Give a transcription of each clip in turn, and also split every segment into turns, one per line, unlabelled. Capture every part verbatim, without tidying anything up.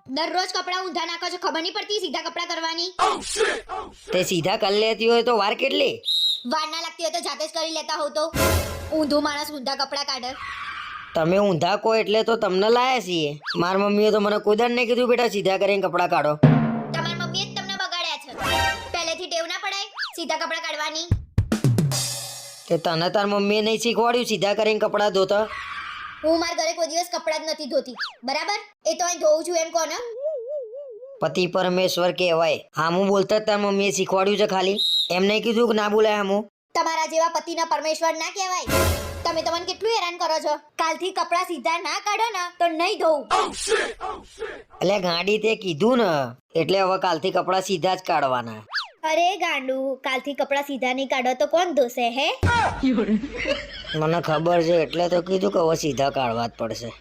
દરરોજ કપડા ઊંધા નાખો છો, ખબર નહીં પડતી સીધા કપડા કરવાની?
તે સીધા કરી લેતી હોય તો વાર કેટલી?
વાર ના લાગતી હોય તો જાતે જ કરી લેતા હોવ તો. ઊંધું માણસ ઊંધા કપડા કાઢે.
તમે ઊંધા કહો એટલે તો તમને લાયા છીએ. મારી મમ્મીએ તો મને કોઈ દાડ નહીં કીધું બેટા સીધા કરીને કપડા કાઢો.
તમારી મમ્મીએ જ તમને બગાડ્યા છે. પહેલેથી ટેવ ના પડાય સીધા કપડા કાઢવાની?
કે તને તાર મમ્મીએ નહીં શીખવાડ્યું સીધા કરીને કપડા ધોતા?
હું મારા ઘરે કોઈ દિવસ કપડા જ નથી ધોતી, બરાબર? એ તો અહીં ધોઉં છું એમ કહો ને.
પતિ પરમેશ્વર કહેવાય. હામું બોલતા જ તાર મમ્મીએ શીખવાડ્યું છે ખાલી? એમ નહીં કીધું કે ના બોલાય હામું?
તમારા જેવા પતિના પરમેશ્વર ના કહેવાય. તમે તમને કેટલું હેરાન કરો છો. કાલથી કપડા સીધા ના કાઢો ને તો નહીં ધોઉં.
એટલે ગાડી તે કીધું ને એટલે હવે કાલથી કપડા સીધા જ કાઢવાના.
અરે ગાંડુ, કાલથી કપડા સીધા નહીં કાઢો તો કોણ ધોશે હે?
મને ખબર છે એટલે તો કીધું કે હવે સીધા કાઢવા જ પડશે.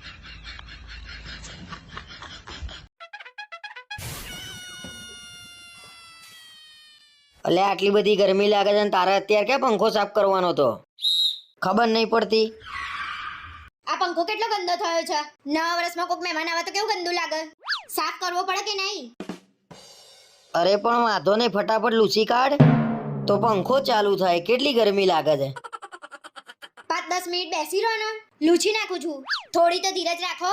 એટલે આટલી બધી ગરમી લાગે છે ને તારે અત્યારે ક્યાં પંખો સાફ કરવાનો તો? ખબર નહીં પડતી?
આ પંખો કેટલો ગંદો થયો છે. નવા વર્ષમાં કોઈક મહેમાન આવે તો કેવું ગંદુ લાગે. સાફ કરવો પડે કે નહીં?
અરે પણ વાંધો નહીં, ફટાફટ લૂછી કાઢ તો પંખો ચાલુ થાય. કેટલી ગરમી લાગે છે.
પાંચ દસ મિનિટ બેસી રહો ને, લૂછી નાખું છું. થોડી તો ધીરજ રાખો.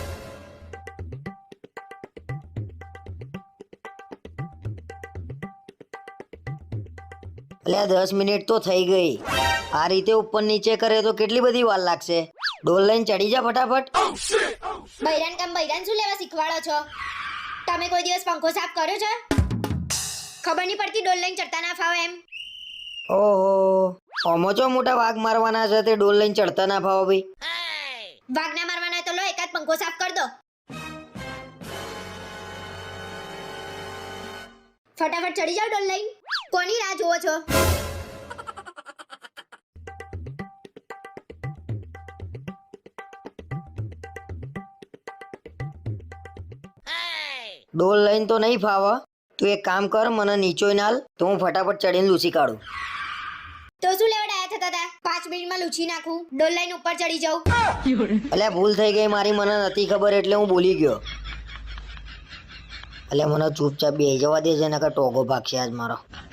એટલે દસ મિનિટ તો થઈ ગઈ. આ રીતે ઉપર નીચે કરે તો કેટલી બધી વાર લાગશે. ડોલ લઈને ચડી જા ફટાફટ.
બૈરાન કામ બૈરાન શું લેવા શીખવાડો છો? તમે કોઈ દિવસ પંખો સાફ કર્યો છે? ખબર નહીં પડતી ડોલ લઈને ચડતા ના ફાવે એમ?
ઓહો, ઓમો ચો મોટા વાઘ મારવાના છે તે ડોલ લઈને ચડતા ના ફાવો ભાઈ?
વાઘ ના મારવાના તો લો એકાદ પંખો સાફ કર દો. ફટાફટ ચડી જાઓ ડોલ લઈને. કોની રાહ જોવો છો?
ડોલ લઈને તો નહીં ફાવે. તું એક કામ કર, મને નીચોય નાલ તો હું ફટાફટ ચડીને લૂછી કાઢું.
તો શું લેવા ડાયા થતા હતા? પાંચ મિનિટમાં લૂછી નાખું, ડોલ લઈને ઉપર ચડી જાઉં.
એટલે ભૂલ થઈ ગઈ મારી, મને નથી ખબર એટલે હું બોલી ગયો. એટલે મને ચૂપચાપ બેસી જવા દે છે, નકર ટોગો ભાગશે આજ મારો.